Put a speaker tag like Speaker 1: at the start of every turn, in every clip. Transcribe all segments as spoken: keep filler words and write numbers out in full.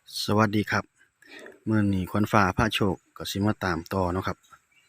Speaker 1: สวัสดีครับมื้อนี้ขวัญฟ้าพาโชคก็สิมาตามต่อเนาะครับ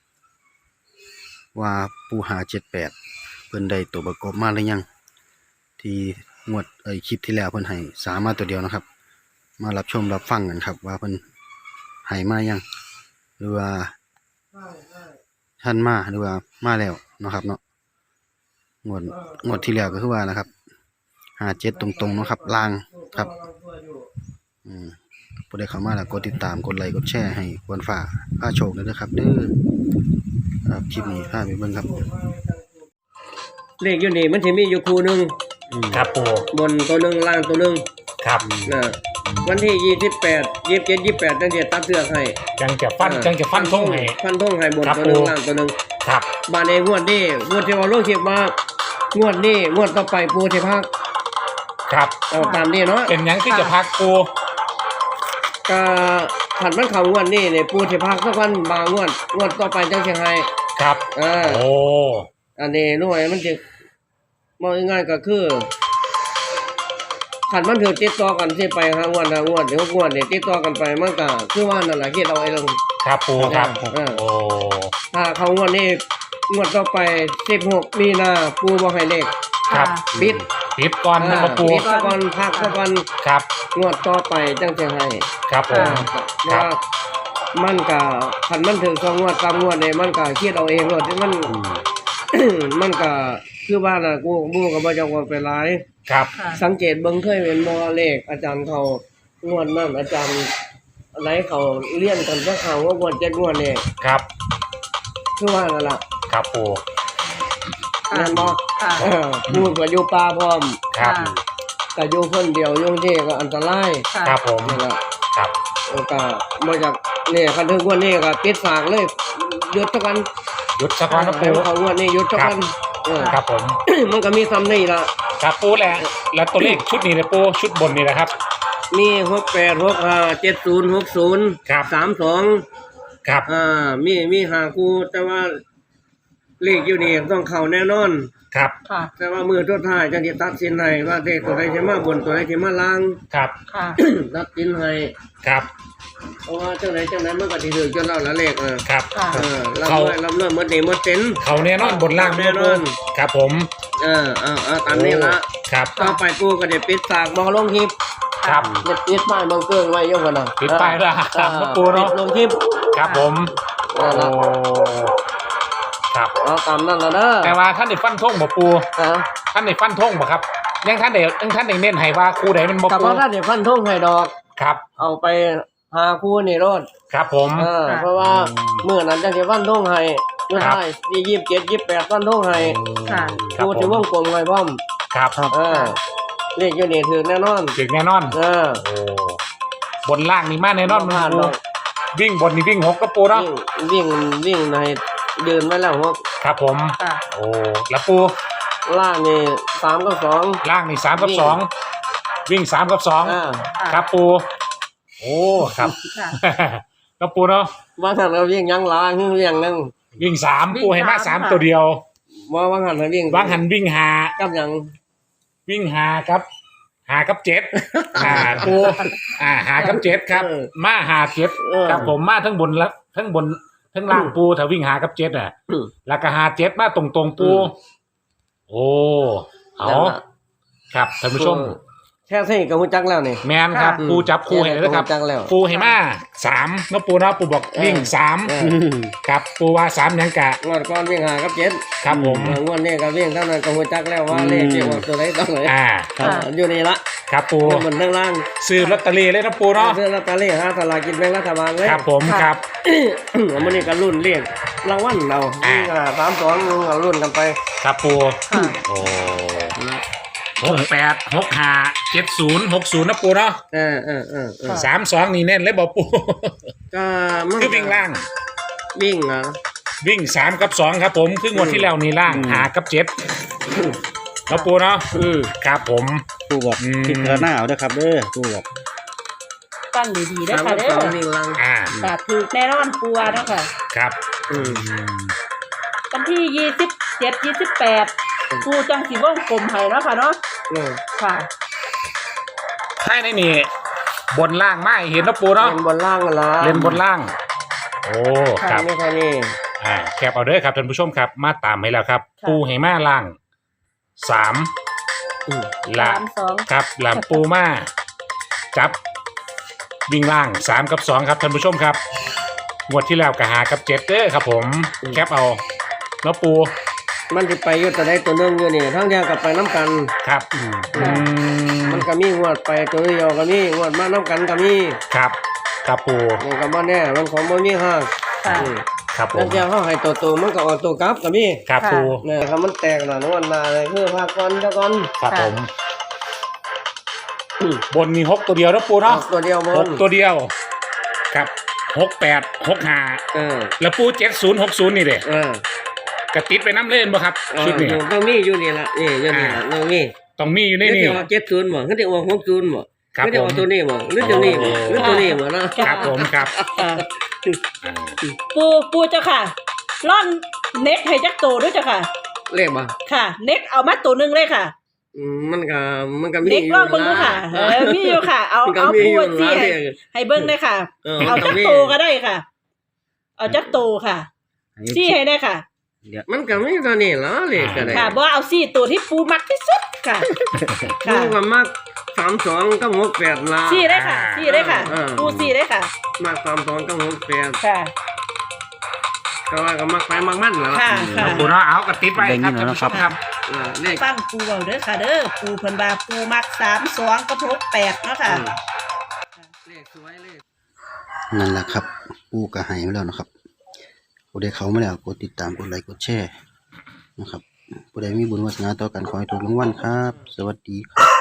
Speaker 1: ว่าปูหาเจ็ดแปดเพิ่นได้ตัวประกอบมาหรือยังที่งวดเอ้ยคลิปที่แล้วเพิ่นให้สามมาตัวเดียวนะครับมารับชมรับฟังกันครับว่าเพิ่นให้มายังหรือว่าท่านมาหรือว่ามาแล้วเนาะครับเนาะงวดงวดที่แล้วก็คือว่านะครับห้าเจ็ดตรงๆเนาะครับล่างครับอืมผู้ใดเข้ามาแล้วกดติดตามกดไลค์กดแชร์ให้ขวัญฟ้าพาโชคด้วยนะครับเด้อครับคลิปนี้พาไปเบิ่งครับ
Speaker 2: เลขอยู่นี่มันสิมีอยู่คู่หนึง
Speaker 3: ครับปู
Speaker 2: บนตัวหนึงล่างตัวหนึง
Speaker 3: ครับ
Speaker 2: นะวันที่ยี่สิบแปด ยี่สิบเจ็ด ยี่สิบแปดจังสิตัดเสือกให้
Speaker 3: จังจะฟันจังจะฟันทงให้
Speaker 2: ฟันธงให้บน
Speaker 3: ครับ
Speaker 2: ตัวหนึง
Speaker 3: ผม
Speaker 2: ล่างตัวหนึง
Speaker 3: ครับ
Speaker 2: บาดนี้งวดนี้งวดที่ว่าลงคลิปมางวดนี้งวดต่อไปปูสิพัก
Speaker 3: ครับ
Speaker 2: เอาตามนี้เนาะ
Speaker 3: เป็นหยังที่จะพักปู
Speaker 2: ก็ขันมันเข้างวดนี้นี่ปูสิพักสักวันบางงวดงวดต่อไปจังสิให้
Speaker 3: ครับ
Speaker 2: เออ
Speaker 3: โอ้
Speaker 2: อันนี้หน่วยมันสิมองง่ายๆก็คือขันมันถือติดต่อกันสิไปหางวดหางวดเดี๋ยวงวดนี่ติดต่อกันไปมันก็คือว่านั่นแหละเฮ็ดเอาไอ้ลง
Speaker 3: ครับปูครับ
Speaker 2: เออ
Speaker 3: โอ้
Speaker 2: ถ้าเขางวดนี้งวดต่อไปสิบหกมีนาปูบ่ให้เลข
Speaker 3: ครับ
Speaker 2: ปิด
Speaker 3: ปิดก่อนนะ
Speaker 2: อ่า
Speaker 3: ครับปู
Speaker 2: ปิดซะก่อนพักซะก่อน
Speaker 3: ครับ
Speaker 2: งวดต่อไปจังสิให้
Speaker 3: ครับผม
Speaker 2: เพราะว่ามันก็คันมันถึงสองงวดสามงวดนี่มันก็คิดเอาเองโลดมัน มันก็คือว่าน่ะกูบูก็บ่จักว่าเป็นหลาย
Speaker 3: ครับ
Speaker 2: สังเกตเบิ่งเคยเห็นบ่เลขอาจารย์เขางวดนั้นอาจารย์อะไรเขาเรียนกันซะเขาว่างวดเจ็ดงวดนี่
Speaker 3: ครับ
Speaker 2: คือว่านั่นล่ะ
Speaker 3: ครับปู
Speaker 2: แม่นบ่
Speaker 4: ค่ะ
Speaker 2: เออพูดก็อยู่ป่าพร้อม
Speaker 3: ครับ
Speaker 2: ก็อยู่คนเดียวอยู่ที่ก็อันตราย
Speaker 4: ค่ะ
Speaker 3: ครับผม
Speaker 2: นั่นล่ะ
Speaker 3: ครับ
Speaker 2: เออก็บ่จักนี่คันถึงงวดนี้ก็ปิดฝากเลยหยุดซะกัน
Speaker 3: หยุดสักก่อนนะ
Speaker 2: ให้
Speaker 3: ปู
Speaker 2: เขางวดนี้หยุดซะกันเออ
Speaker 3: ครับผม
Speaker 2: มันก็มีซ้ำนี่ล่ะ
Speaker 3: ครับปูแหละแล้วตัวเลขชุดนี้นะปูชุดบนนี่นะครับ
Speaker 2: มีหกแปด หกห้า เจ็ดศูนย์ หกศูนย์
Speaker 3: ครับ
Speaker 2: สามสอง
Speaker 3: ครับ
Speaker 2: อ่ามีมีหาคู่แต่ว่าเลขอยู่นี่ต้องเข้าแน่นอน
Speaker 3: ครับ
Speaker 4: ค่ะ
Speaker 2: แต่ว่ามือตัวท้ายจังสิตัดสินให้ว่าเลขตัวใดสิมาบนตัวใดสิมาล่าง
Speaker 3: ครับ
Speaker 4: ค่ะ
Speaker 2: ตัดสินให้
Speaker 3: ครับ
Speaker 2: เพราะว่าจังไดจังนั้นมันก็สิถึงจนแล้วละเลขเออ
Speaker 3: ครับ
Speaker 4: ค่ะ
Speaker 2: เออรับ
Speaker 3: เขา
Speaker 2: ด้วยรับด้วยหมดนี่หมดเต็น
Speaker 3: เขาแน่นอนบนล่าง
Speaker 2: แน่นอน
Speaker 3: ครับผม
Speaker 2: เออเออเออตามนี้ละ
Speaker 3: ครับ
Speaker 2: ต่อไปกูก็ได้ปิดฉากบ่ลงคลิป
Speaker 3: ครับ
Speaker 2: เด็ดปิดป้ายเบิ่งเครื่องไว้อยู่พุ่นน่ะ
Speaker 3: ปิดป้ายแล้วครับ
Speaker 2: เออ
Speaker 3: ปูเนาะ
Speaker 2: ปิดลงคลิป
Speaker 3: ครับผม
Speaker 2: นั่
Speaker 3: โอ้
Speaker 2: นล่ะ
Speaker 3: ครับ
Speaker 2: เอาตามนั้นล่ะเด้อ
Speaker 3: แต่ว่าท่านได้ฟันธงบ่ปู
Speaker 2: ฮะ
Speaker 3: ท่านได้ฟันธงบ่ครับยังท่านได้ยังท่านได้เน้นให้ว่าคู่ใดมันบ่
Speaker 2: กับ
Speaker 3: ปู
Speaker 2: ว่าถ้าเดี๋ยวฟันทงให้ดอก
Speaker 3: ครับ
Speaker 2: เอาไปหาคู่นี่รถ
Speaker 3: ครับผม
Speaker 2: เออเพราะว่าเมื่อนั้นจังสิฟันทงให้เมื่อ
Speaker 3: ครับ
Speaker 2: ได้ที่ยี่สิบเจ็ด ยี่สิบแปดฟันทงให้
Speaker 4: ค่ะ
Speaker 3: ครับ
Speaker 2: คู่
Speaker 3: ผ
Speaker 2: ที่ว
Speaker 3: ม
Speaker 2: งกลมไว้พร้อม
Speaker 3: ครับ
Speaker 2: เออเลขอยู่นี่ถือแน่นอน
Speaker 3: ถึงแน่นอน
Speaker 2: เออ
Speaker 3: โอ้บนล่างนี่มาแน่นอน
Speaker 2: บ่พลาด
Speaker 3: ปู
Speaker 2: ดอก
Speaker 3: วิ่งบนนี่วิ่งหกก็ปูเนาะ
Speaker 2: วิ่งวิ่งวิ่งในเดินไว้แล้วพวก
Speaker 3: ครับผม
Speaker 4: ค่ะ
Speaker 3: โอ้แล้วปู
Speaker 2: ล่างนี่สามกับสอง
Speaker 3: ล่างนี่สามกับ
Speaker 2: วิ่ง
Speaker 3: สองวิ่งสามกับสอง
Speaker 2: อ่า
Speaker 3: ครับปูโอ้ครับ
Speaker 4: ค่ะ
Speaker 3: ครับปูเนาะ
Speaker 2: ว่าหันเราวิ่งยังล้างวิ่งเรียงนึง
Speaker 3: วิ่งสาม
Speaker 4: วิ่ง
Speaker 3: ปูให้มา
Speaker 4: สา
Speaker 3: สาม ม
Speaker 4: ค่ะ
Speaker 3: ตัวเดียว
Speaker 2: ว่าว่าหันเราวิ่ง
Speaker 3: วางหันวิ่งหา
Speaker 2: กับหยัง
Speaker 3: วิ่งหาครับหากับเจ็ดหาปูอ่าหากับเจ็ดครับ มาหาเจ็ด
Speaker 2: เออ
Speaker 3: ครับผมมาทั้งบนและทั้งบนทั้งล่างปูถ้าวิ่งหากับเจ็ดอ่ะ
Speaker 2: อืม
Speaker 3: แล้วก็หาเจ็ดมาตรงตรงๆปู
Speaker 2: อืม
Speaker 3: โอ้เอา
Speaker 2: นั่นล่ะ
Speaker 3: ครับท่านผู้ชม
Speaker 2: แค่นี้ก็ฮู้จักแล้วนี่
Speaker 3: แมนครับ
Speaker 2: อืม
Speaker 3: ปูจับคู่ให้เลยครับ
Speaker 2: แค่นี้ก็ฮู้จักแล้ว
Speaker 3: ปูให้มาสามเนาะปูเนาะปูบอก
Speaker 2: เออ
Speaker 3: วิ่งสาม
Speaker 2: เออ
Speaker 3: ครับปูว่าสามหยังกะ
Speaker 2: งวดก่อนวิ่งหากับเจ็ด
Speaker 3: ครับผม
Speaker 2: เอองวดนี้ก็วิ่งเท่านั้นก็ฮู้จักแล้วว่าเลขที่ว่าตัวไหนต้องไหน
Speaker 3: อ่า
Speaker 4: ค่ะ
Speaker 2: อยู่นี่ละ
Speaker 3: ครับปู
Speaker 2: บนทั้งล่าง
Speaker 3: ซื้อลอตเตอรี่เลยนะปูเนาะ
Speaker 2: ซื้อลอตเตอรี่หาสลากกินแบ่งรัฐบาลเลย
Speaker 3: ครับผม
Speaker 4: ค่ะ
Speaker 3: ครับ
Speaker 2: มื้อนี้ก็รุ่นเรียกรางวัลเรา
Speaker 3: อ่า
Speaker 2: อ่าสามสองเอารุ่นกันไป
Speaker 3: ครับปู
Speaker 4: ค่ะ
Speaker 3: โอ้หกแปดหกห้าเจ็ดศูนย์หกศูนย์นะปูเนาะ
Speaker 2: เออเออเออเออ
Speaker 3: สามสองนี่แน่นเลยบอกปู
Speaker 2: ก็มัน
Speaker 3: คือวิ่งล่าง
Speaker 2: วิ่งอ่ะ
Speaker 3: วิ่งสามกับสองครับผมคืองวดที่แล้วนี่ล่างหากับเจ็ดแล้วปูเนาะ
Speaker 2: อืม
Speaker 3: ครับผม
Speaker 1: ปูบอก
Speaker 3: อืม
Speaker 1: พิจารณาเอาเด้อครับเด้อปูบอก
Speaker 4: ตั้งดีๆได้
Speaker 2: สาม
Speaker 4: ค่ะ
Speaker 2: กับ
Speaker 4: เด้
Speaker 2: สอง
Speaker 4: อ
Speaker 2: วิ่งล่าง
Speaker 3: อ่า
Speaker 4: ค่ะถือแน่นอนปัวเนาะค่ะ
Speaker 3: ครับ
Speaker 2: อืม
Speaker 3: อืม
Speaker 4: วันที่ยี่สิบเจ็ด ยี่สิบแปดปูจังสีวงกลมให้เนาะค่ะเนาะ
Speaker 2: อืม
Speaker 4: ค่ะ
Speaker 3: ให้ในนี่บนล่างไม่เห็นนะปูเนาะ
Speaker 2: เล่นบนล่างกันละ
Speaker 3: เล่นบนล่าง โอ้ค
Speaker 2: ข้า
Speaker 3: รั
Speaker 2: ง
Speaker 3: บ
Speaker 2: นี้แค่นี้
Speaker 3: อ่าแคปเอาเด้อครับท่านผู้ชมครับมาตามให้แล้วครับ
Speaker 4: ค่ะ
Speaker 3: ปูให้มาล่างสาม
Speaker 2: อืม
Speaker 3: ละ
Speaker 4: สามสอง
Speaker 3: ครับหลังปูมาจับวิ่งล่างสามกับสองครับท่านผู้ชมครับงวดที่แล้วก็หากับเจ็ดเด้อครับผมแคปเอาเนาะปู
Speaker 2: มันจะไปอยู่ตัวใดตัวหนึงอยู่นี่ทั้งเดียวกับไปน้ำกัน
Speaker 3: ครับอืม
Speaker 2: มันก็มีงวดไปตัวเดียวก็มีงวดมาน้ำกันก็มี
Speaker 3: ครับครับปู
Speaker 2: นี่ก็บ่แน่มันของบ่มีห้าง
Speaker 4: ค่ะ
Speaker 2: อืม
Speaker 3: ครับผ
Speaker 2: แล้ว
Speaker 3: ม
Speaker 2: เจ้าเขาให้ตัวโตมันก็ออกตัวกลับก็มี
Speaker 3: ครับปู
Speaker 2: เนี่ยครับมันแตกน่ะนวลนาเลยคือภาคก่อนเจ้าก่อน
Speaker 3: ครับ
Speaker 4: ค่ะ
Speaker 3: ผมบนมีหกตัวเดียวนะปู
Speaker 2: ออ
Speaker 3: เนาะ
Speaker 2: กตัวเดียวบ
Speaker 3: ห
Speaker 2: น
Speaker 3: กตัวเดียว ครับหกแปดหกห้า
Speaker 2: เออ
Speaker 3: แล้วปูเจ็ดศูนย์หกศูนย์นี่เด้
Speaker 2: เออก
Speaker 3: ระติดไปน้ำเล่นบ่ครับ
Speaker 2: เออ
Speaker 3: ชุดนี้
Speaker 2: ต้องมีอยู่นี่ล่ะนี่อยู่นี่ล่ะต้องมี
Speaker 3: ต้องมีอยู่ใน
Speaker 2: นี่
Speaker 3: นี่
Speaker 2: เดี๋ยวเจ็ดศูนย์บ่คือเดี๋ยวหกศูนย์บ่
Speaker 3: ครับ
Speaker 2: คือเดี๋ยว
Speaker 3: ผม
Speaker 2: ตัวนี้บ่หรือตัวนี้บ่หรือตัวนี้บ่เนาะ
Speaker 3: ครับผมครับ
Speaker 4: ค่ะ
Speaker 3: อ่า
Speaker 4: ปูปูเจ้าค่ะร่อนเน็กให้จักโตด้วยเจ้าค่ะ
Speaker 2: เลขบ่
Speaker 4: ค่ะ เน็กเอามาตัวหนึงเลยค่ะ
Speaker 2: อืมมันก็มันก็มี
Speaker 4: เน็ก
Speaker 2: อยู่
Speaker 4: ลองเบิ่งดูค่ะเออมีอยู่ค่ะ เอา
Speaker 2: มันก็
Speaker 4: เอา
Speaker 2: มี
Speaker 4: ปู
Speaker 2: อยู่
Speaker 4: สิ
Speaker 2: นะ
Speaker 4: ให้
Speaker 2: เลข
Speaker 4: ให้เบิ่งได้ค่ะ
Speaker 2: เออ
Speaker 4: เอาจัก
Speaker 2: มันก็มี
Speaker 4: โตก็ได้ค่ะ เอาจักโตค่ะซี่ให้ได้ค่ะ
Speaker 2: มันก็มีตัวนี้ล่ะเลขก็ได้
Speaker 4: ค่ะบ่เอาซี่ตัวที่ปูมักที่สุดค่ะ ค่ะ
Speaker 2: มันก็มักสามสองกับหกแปดล่ะ
Speaker 4: ซี่ได้ค่ะซี่ได้ค่ะ
Speaker 2: เออ
Speaker 4: ปูซี่ได้ค่ะ
Speaker 2: มักสามสองกับหกแปด
Speaker 4: ค่ะ
Speaker 2: ก็ว่าก็มักไปมักมันล่ะ
Speaker 4: ค่ะค่ะ
Speaker 3: ปูเนาะเอากระติดไว้ครับท่านผู้ชมครับ
Speaker 2: เออเลข
Speaker 4: ฟังปูเอาเด้อค่ะ เด้อปูเพิ่นว่าปูมักสามสองกับหกแปดเนาะค่ะ
Speaker 2: เลขสวยเลข
Speaker 1: นั่นแหละครับปูกระหายมาแล้วนะครับผู้ใดเขามาแล้วกดติดตามกดไลค์กดแชร์นะครับผู้ใดมีบุญวาสนาต่อกันขอให้ถูกรางวัลครับ สวัสดีครับ